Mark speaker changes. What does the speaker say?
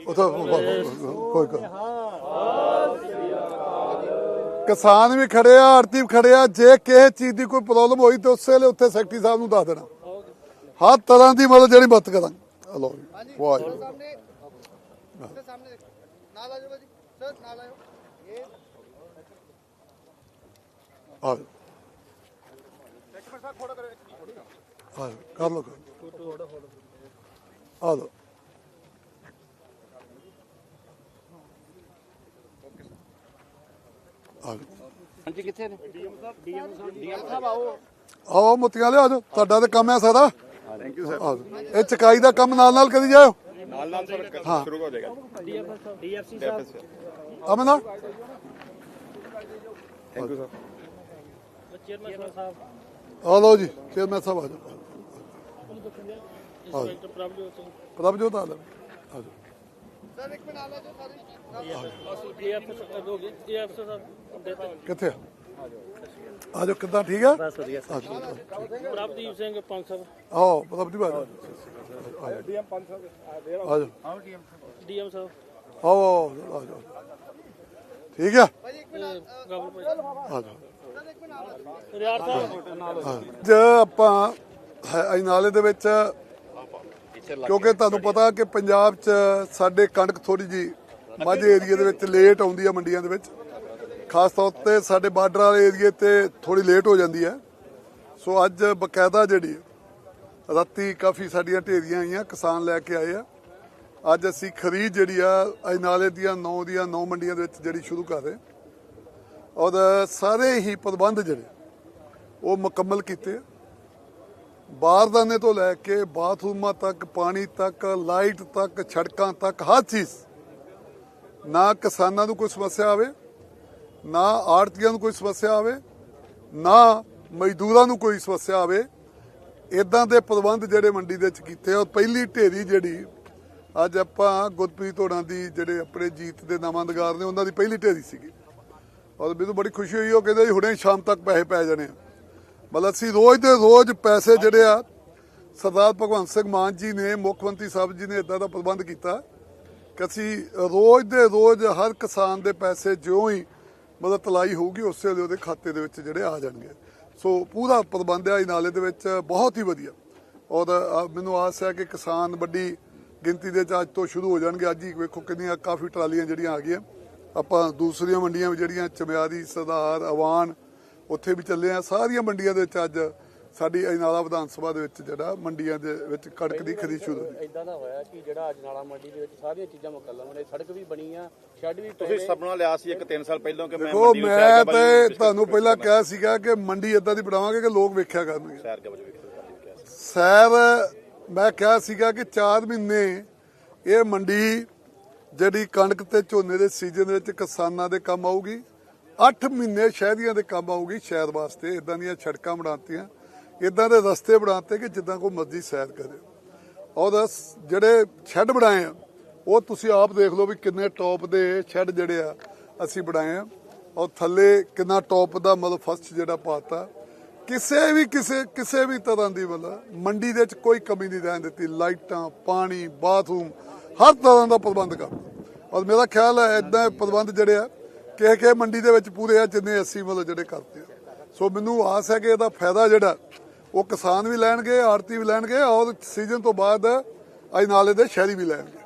Speaker 1: ਕੋਈ किसान भी खड़े आ, आड़ती भी खड़े आ। जे किसी चीज़ की कोई प्रॉब्लम हुई तो उस वेले उत्थे सैकटरी साहब नूं दस देना, हर तरह की मतलब जी मदद करा। लो वाह कर लो आ लो
Speaker 2: ਹਾਂਜੀ ਕਿੱਥੇ ਨੇ ਡੀਐਮ ਸਾਹਿਬ ਆਓ
Speaker 1: आओ मोतियां ले आ जाओ, तुहाडा ते काम है सारा। Thank you sir. ये चकाई का काम नाल नाल करी जाओ,
Speaker 3: नाल नाल सर शुरू हो जाएगा।
Speaker 2: ਡੀਐਫਸੀ ਸਾਹਿਬ
Speaker 1: अमना
Speaker 3: थैंक यू सर।
Speaker 2: ਚੇਅਰਮੈਨ ਸਾਹਿਬ
Speaker 1: आ लो जी, चेयरमैन साहब आ जाओ।
Speaker 2: ਇੰਸਪੈਕਟਰ ਪ੍ਰਭਜੋਤ ਸਿੰਘ
Speaker 1: प्रभजोत आ जाओ, आ जाओ।
Speaker 2: ਸਰ ਇੱਕ ਮਿੰਟ ਆ ਲੈ ਜੋ ਡੀਐਫ ਹੋ ਗਏ ਡੀਐਫ ਸਾਹਿਬ
Speaker 1: किथे आ जाओ, किदा ठीक है?
Speaker 2: ਬਸ ਵਧੀਆ
Speaker 1: आ जाओ,
Speaker 2: ਪ੍ਰਭਦੀਪ ਸਿੰਘ ਪੰਜ ਸਾਹਿਬ
Speaker 1: आओ प्रभजीत आ जाओ,
Speaker 3: डीएम 500
Speaker 1: आ जाओ,
Speaker 2: ਡੀਐਮ ਸਾਹਿਬ
Speaker 1: आओ आ जाओ, ठीक है
Speaker 2: ਗਾਬਲ
Speaker 1: आ जाओ।
Speaker 2: ਰਿਆੜ ਸਾਹਿਬ
Speaker 1: ਅੱਜ ਆਪਾਂ ਅੱਜ ਨਾਲੇ ਦੇ ਵਿੱਚ, ਕਿਉਂਕਿ ਤੁਹਾਨੂੰ ਪਤਾ ਕਿ ਪੰਜਾਬ 'ਚ ਸਾਡੇ ਕਣਕ ਥੋੜੀ ਜੀ ਮਾਝੇ ਏਰੀਏ ਦੇ ਵਿੱਚ ਲੇਟ ਆਉਂਦੀ ਆ ਮੰਡੀਆਂ ਦੇ ਵਿੱਚ, ਖਾਸ ਤੌਰ ਤੇ ਸਾਡੇ ਬਾਰਡਰ ਵਾਲੇ ਏਰੀਏ ਤੇ ਥੋੜੀ ਲੇਟ ਹੋ ਜਾਂਦੀ ਹੈ। ਸੋ ਅੱਜ ਬਕਾਇਦਾ ਜਿਹੜੀ ਰਾਤੀ ਕਾਫੀ ਸਾਡੀਆਂ ਢੇਰੀਆਂ ਆਈਆਂ, ਕਿਸਾਨ ਲੈ ਕੇ ਆਏ ਆ। ਅੱਜ ਅਸੀਂ ਖਰੀਦ ਜਿਹੜੀ ਆ ਅੱਜ ਨਾਲੇ ਦੀਆਂ 9 ਮੰਡੀਆਂ ਦੇ ਵਿੱਚ ਜਿਹੜੀ ਸ਼ੁਰੂ ਕਰ ਰਹੇ, ਔਰ ਸਾਰੇ ਹੀ ਪ੍ਰਬੰਧ ਜਿਹੜੇ ਉਹ ਮੁਕੰਮਲ ਕੀਤੇ। ਬਾਰਦਾਨੇ ਤੋਂ ਲੈ ਕੇ ਬਾਥਰੂਮਾਂ ਤੱਕ, ਪਾਣੀ ਤੱਕ, ਲਾਈਟ ਤੱਕ, ਸੜਕਾਂ ਤੱਕ, ਹਰ ਚੀਜ਼। ਨਾ ਕਿਸਾਨਾਂ ਨੂੰ ਕੋਈ ਸਮੱਸਿਆ ਆਵੇ, ਨਾ ਆੜਤੀਆਂ ਨੂੰ ਕੋਈ ਸਮੱਸਿਆ ਆਵੇ, ਨਾ ਮਜ਼ਦੂਰਾਂ ਨੂੰ ਕੋਈ ਸਮੱਸਿਆ ਆਵੇ। ਇਦਾਂ ਦੇ ਪ੍ਰਬੰਧ ਜਿਹੜੇ ਮੰਡੀ ਦੇ ਵਿੱਚ ਕੀਤੇ। ਔਰ ਪਹਿਲੀ ਢੇਰੀ ਜਿਹੜੀ ਅੱਜ ਆਪਾਂ ਗੁਰਪ੍ਰੀਤ ਹੋਰਾਂ ਦੀ ਜਿਹੜੇ ਆਪਣੇ ਜੀਤ ਦੇ ਨਵਾਂਦਗਾਰ ਨੇ, ਉਹਨਾਂ ਦੀ ਪਹਿਲੀ ਢੇਰੀ ਸੀਗੀ। ਔਰ ਮੈਨੂੰ ਬੜੀ ਖੁਸ਼ੀ ਹੋਈ, ਉਹ ਕਹਿੰਦੇ ਹੁਣੇ ਸ਼ਾਮ ਤੱਕ ਪੈਸੇ ਪੈ ਜਾਣੇ ਆ। ਮਤਲਬ ਅਸੀਂ ਰੋਜ਼ ਦੇ ਰੋਜ਼ ਪੈਸੇ ਜਿਹੜੇ ਆ, ਸਰਦਾਰ ਭਗਵੰਤ ਸਿੰਘ ਮਾਨ ਜੀ ਨੇ, ਮੁੱਖ ਮੰਤਰੀ ਸਾਹਿਬ ਜੀ ਨੇ ਇਦਾਂ ਦਾ ਪ੍ਰਬੰਧ ਕੀਤਾ ਕਿ ਅਸੀਂ ਰੋਜ਼ ਦੇ ਰੋਜ਼ ਹਰ ਕਿਸਾਨ ਦੇ ਪੈਸੇ ਜਿਉਂ ਹੀ ਮਤਲਬ ਤਲਾਈ ਹੋਊਗੀ ਉਸੇ ਵੇਲੇ ਉਹਦੇ ਖਾਤੇ ਦੇ ਵਿੱਚ ਜਿਹੜੇ ਆ ਜਾਣਗੇ। ਸੋ ਪੂਰਾ ਪ੍ਰਬੰਧ ਹੈ ਨਾਲੇ ਦੇ ਵਿੱਚ, ਬਹੁਤ ਹੀ ਵਧੀਆ। ਔਰ ਮੈਨੂੰ ਆਸ ਹੈ ਕਿ ਕਿਸਾਨ ਵੱਡੀ ਗਿਣਤੀ ਦੇ ਅੱਜ ਤੋਂ ਸ਼ੁਰੂ ਹੋ ਜਾਣਗੇ। ਅੱਜ ਹੀ ਵੇਖੋ ਕਿੰਨੀਆਂ ਕਾਫੀ ਟਰਾਲੀਆਂ ਜਿਹੜੀਆਂ ਆ ਗਈਆਂ। ਆਪਾਂ ਦੂਸਰੀਆਂ ਮੰਡੀਆਂ ਵੀ ਜਿਹੜੀਆਂ ਚਮਿਆਰੀ, ਸਰਦਾਰ, ਅਵਾਨ, ਉੱਥੇ ਵੀ ਚੱਲੇ ਆ। ਸਾਰੀਆਂ ਮੰਡੀਆਂ ਦੇ ਵਿੱਚ ਅੱਜ ਸਾਡੀ ਅਜਨਾਲਾ ਵਿਧਾਨ ਸਭਾ ਦੇ ਵਿੱਚ ਜਿਹੜਾ ਮੰਡੀਆਂ ਦੇ ਵਿੱਚ ਕਣਕ ਦੀ ਖਰੀਦ ਸ਼ੁਰੂ ਹੋਈ।
Speaker 2: ਇਦਾਂ ਦਾ ਹੋਇਆ ਕਿ ਜਿਹੜਾ ਅਜਨਾਲਾ ਮੰਡੀ ਦੇ ਵਿੱਚ ਸਾਰੀਆਂ ਚੀਜ਼ਾਂ ਮੁਕੰਮਲ ਨੇ, ਸੜਕ ਵੀ ਬਣੀ ਆ, ਸ਼ੈੱਡ ਵੀ
Speaker 3: ਤੁਸੀਂ ਸੁਪਨਾ ਲਿਆ ਸੀ ਇੱਕ 3 ਸਾਲ ਪਹਿਲਾਂ ਕਿ ਮੈਂ
Speaker 1: ਦੇਖੋ,
Speaker 3: ਮੰਡੀ ਨੂੰ
Speaker 1: ਮੈਂ ਤੇ ਤੁਹਾਨੂੰ ਪਹਿਲਾਂ ਕਿਹਾ ਸੀਗਾ ਕਿ ਮੰਡੀ ਇਦਾਂ ਦੀ ਬਣਾਵਾਂਗੇ ਕਿ ਲੋਕ ਵੇਖਿਆ ਕਰਨਗੇ।
Speaker 3: ਸੈਰ ਕੇ ਵਜੇ
Speaker 1: ਸੈਰ ਮੈਂ ਕਿਹਾ ਸੀਗਾ ਕਿ 4 ਮਹੀਨੇ ਇਹ ਮੰਡੀ ਜਿਹੜੀ ਕਣਕ ਤੇ ਝੋਨੇ ਦੇ ਸੀਜ਼ਨ ਦੇ ਵਿੱਚ ਕਿਸਾਨਾਂ ਦੇ ਕੰਮ ਆਊਗੀ। 8 ਮਹੀਨੇ ਸ਼ਹਿਰੀਆਂ ਦੇ ਕੰਮ ਆਊਗੀ। ਸ਼ਹਿਰ ਵਾਸਤੇ ਇਦਾਂ ਦੀਆਂ ਸੜਕਾਂ ਬਣਾਤੀਆਂ, ਇਦਾਂ ਦੇ ਰਸਤੇ ਬਣਾਤੇ ਕਿ ਜਿੱਦਾਂ ਕੋਈ ਮਰਜ਼ੀ ਸੈਰ ਕਰੇ। ਔਰ ਜਿਹੜੇ ਸ਼ੈੱਡ ਬਣਾਏ ਆ ਉਹ ਤੁਸੀਂ ਆਪ ਦੇਖ ਲਓ ਵੀ ਕਿੰਨੇ ਟੌਪ ਦੇ ਸ਼ੈੱਡ ਜਿਹੜੇ ਆ ਅਸੀਂ ਬਣਾਏ ਆ। ਔਰ ਥੱਲੇ ਕਿੰਨਾ ਟੌਪ ਦਾ ਮਤਲਬ ਫਸਟ ਜਿਹੜਾ ਪਾਤਾ। ਕਿਸੇ ਵੀ ਤਰ੍ਹਾਂ ਦੀ ਮਤਲਬ ਮੰਡੀ ਦੇ ਵਿੱਚ ਕੋਈ ਕਮੀ ਨਹੀਂ ਰਹਿਣ ਦਿੱਤੀ। ਲਾਈਟਾਂ, ਪਾਣੀ, ਬਾਥਰੂਮ, ਹਰ ਤਰ੍ਹਾਂ ਦਾ ਪ੍ਰਬੰਧ ਕਰ। ਔਰ ਮੇਰਾ ਖਿਆਲ ਹੈ ਇਦਾਂ ਪ੍ਰਬੰਧ ਜਿਹੜੇ ਆ ਕਿਸੇ ਮੰਡੀ ਦੇ ਵਿੱਚ ਪੂਰੇ ਆ ਜਿੰਨੇ ਅਸੀਂ ਮਤਲਬ ਜਿਹੜੇ ਕਰਦੇ ਆ। ਸੋ ਮੈਨੂੰ ਆਸ ਹੈ ਕਿ ਇਹਦਾ ਫਾਇਦਾ ਜਿਹੜਾ ਉਹ ਕਿਸਾਨ ਵੀ ਲੈਣਗੇ, ਆੜਤੀ ਵੀ ਲੈਣਗੇ, ਔਰ ਸੀਜ਼ਨ ਤੋਂ ਬਾਅਦ ਅਜਨਾਲੇ ਦੇ ਸ਼ਹਿਰੀ ਵੀ ਲੈਣਗੇ।